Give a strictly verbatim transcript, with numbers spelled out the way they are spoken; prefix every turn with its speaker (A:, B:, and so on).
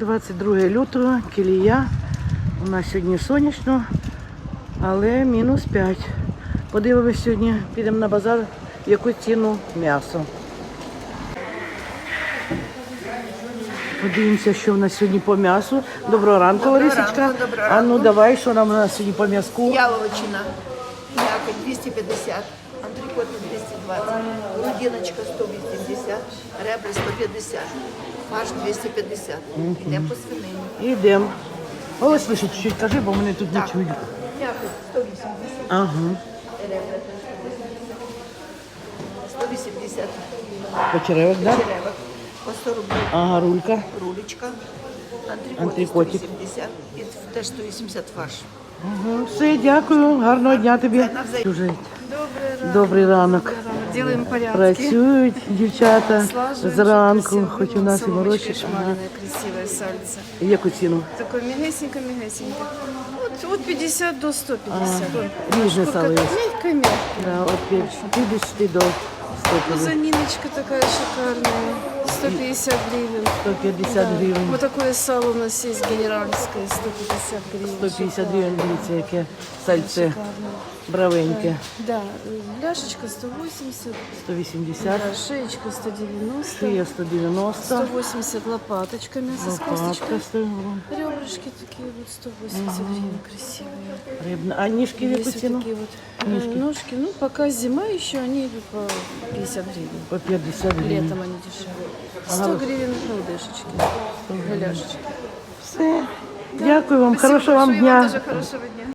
A: двадцять друге лютого, Кілія. У нас сьогодні сонячно, але мінус п'ять. Подивимось сьогодні, підемо на базар, в яку ціну м'ясо. Подивимося, що в нас сьогодні по м'ясу. Доброго ранку, Ларисочка. А ну давай, що нам у нас сьогодні по м'язку?
B: Яловичина, мякоть двести пятьдесят, антрикоты двести двадцать, грудиночка сто восемьдесят, ребра сто пятьдесят, фарш двести пятьдесят. Йдемо по свинині.
A: Йдемо. Голосніше чуть-чуть кажи, бо мене тут не
B: Так.
A: чують.
B: Мякоть сто вісімдесят,
A: Ага.
B: ребра сто вісімдесят,
A: Почеревок, так? Да?
B: черевок по сто рублів,
A: Ага, рулька.
B: рулечка, антрикоти
A: Антрикотик.
B: сто вісімдесят і теж сто вісімдесят фарш.
A: Ага. Все, дякую. Гарного дня тобі. Дуже добрий ранок.
C: Делаем порядки.
A: Працюють дівчата
C: Слаживаем,
A: зранку,
C: чтобы
A: хоч у нас і морозі.
C: соломочкой шмаленое, красивое сальце.
A: Яку ціну?
C: Такое мягесенько-мягесенько. Вот от пятьдесят до сто пятьдесят.
A: Різне сало є.
C: Мягко-мягко.
A: Да, от п'ятдесят до сто п'ятдесят.
C: Пузаниночка такая шикарная. сто пятьдесят гривен.
A: сто п'ятдесят гривень.
C: Вот такое сало у нас есть генеральское. сто пятьдесят гривен.
A: сто п'ятдесят гривень, дивіться, яке сальце
C: Шикарно.
A: бравеньке.
C: Да, ляшечка сто восемьдесят.
A: сто вісімдесят,
C: Да, шеечка сто девяносто.
A: шия сто дев'яносто,
C: сто восемьдесят лопаточка, мясо с
A: лопатка
C: косточкой.
A: сто гривень.
C: Ребрышки такие вот сто восемьдесят гривен красивые.
A: Рибна. А ніжки в яку
C: Есть вот
A: ціну?
C: такие вот э, ножки. Ну, пока зима еще, они идут по пятьдесят гривен.
A: По п'ятдесят гривень.
C: Летом они дешевые. сто гривен галдешечки, галяшечки.
A: Все. Дякую вам,
C: Спасибо
A: хорошого вам
C: большое, и вам
A: дня.
C: тоже хорошего дня.